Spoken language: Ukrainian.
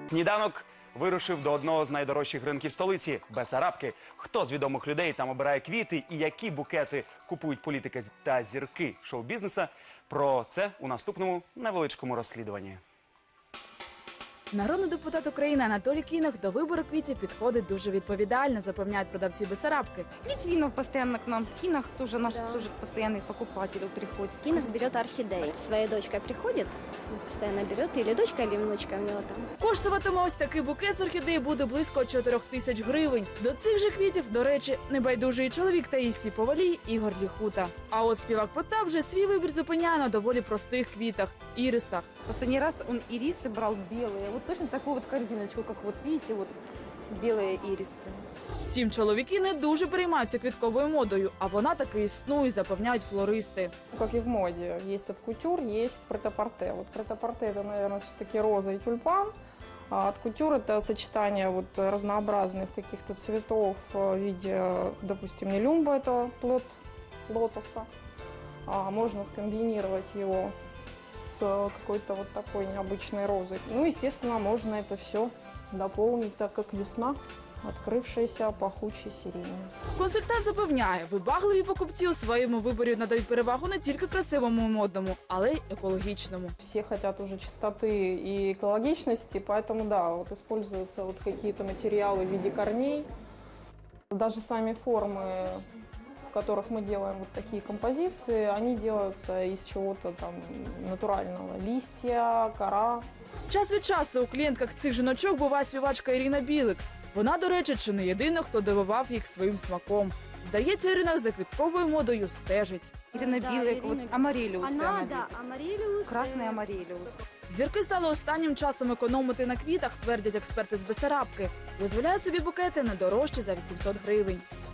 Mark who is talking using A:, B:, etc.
A: Сніданок вирушив до одного з найдорожчих ринків столиці – Бесарабки. Хто з відомих людей там обирає квіти і які букети купують політики та зірки шоу-бізнеса – про це у наступному невеличкому розслідуванні.
B: Народний депутат України Анатолій Кінах до вибору квітів підходить дуже відповідально, запевняють продавці Бесарабки.
C: Литвинов постоянно к нам, Кинах тоже наш тоже постоянный покупатель приходит.
D: Кинах берет орхидеи. Своей дочкой приходит, постоянно берет, или дочка, или внучка у него там.
B: Коштуватиме ось такий букет з орхідеї буде близько 4 тисяч гривень. До цих же квітів, до речі, небайдужий чоловік Таїсії Повалій Ігор Ліхута. А от співак Потап вже свій вибір зупиняє на доволі простих квітах – ірисах.
C: Последний раз он ирисы брал белые, вот точно такую вот корзиночку, как вот видите, вот белые ирисы.
B: Втім, чоловіки не дуже переймаються квітковою модою, а вона таки існує, запевняють флористи.
E: Как и в моде, есть от кутюр, есть претапорте. Вот претапорте это, наверное, все-таки роза и тюльпан, а от кутюр это сочетание вот разнообразных каких-то цветов в виде, допустим, нелюмба, это плод лотоса. Можно скомбинировать его с какой-то вот такой необычной розой. Ну, естественно, можно это все дополнить, так как весна, открывшаяся пахучей сиренью.
B: Консультант запевняє, вибагливі покупці у своєму виборі надають перевагу не тільки красивому і модному, але й екологічному.
E: Все хотят уже чистоты и экологичности, поэтому, да, вот используются вот какие-то материалы в виде корней. Даже сами формы, в которых мы делаем вот такие композиции, они делаются из чего-то там натурального. Листья, кора.
B: Час від часу у клієнтках цих жіночок буває співачка Ірина Білик. Вона, до речі, чи не єдина, хто дивував їх своїм смаком. Здається, Ірина за квітковою модою стежить.
C: Ирина
D: Да,
C: Билык,
D: Ирина
C: вот амарелиус.
D: Она, да, амарелиус.
C: Красный амарелиус.
B: Зірки стали останнім часом економити на квітах, твердять експерти з Бесарабки. Дозволяють собі букети не дорожчі за 800 гривень.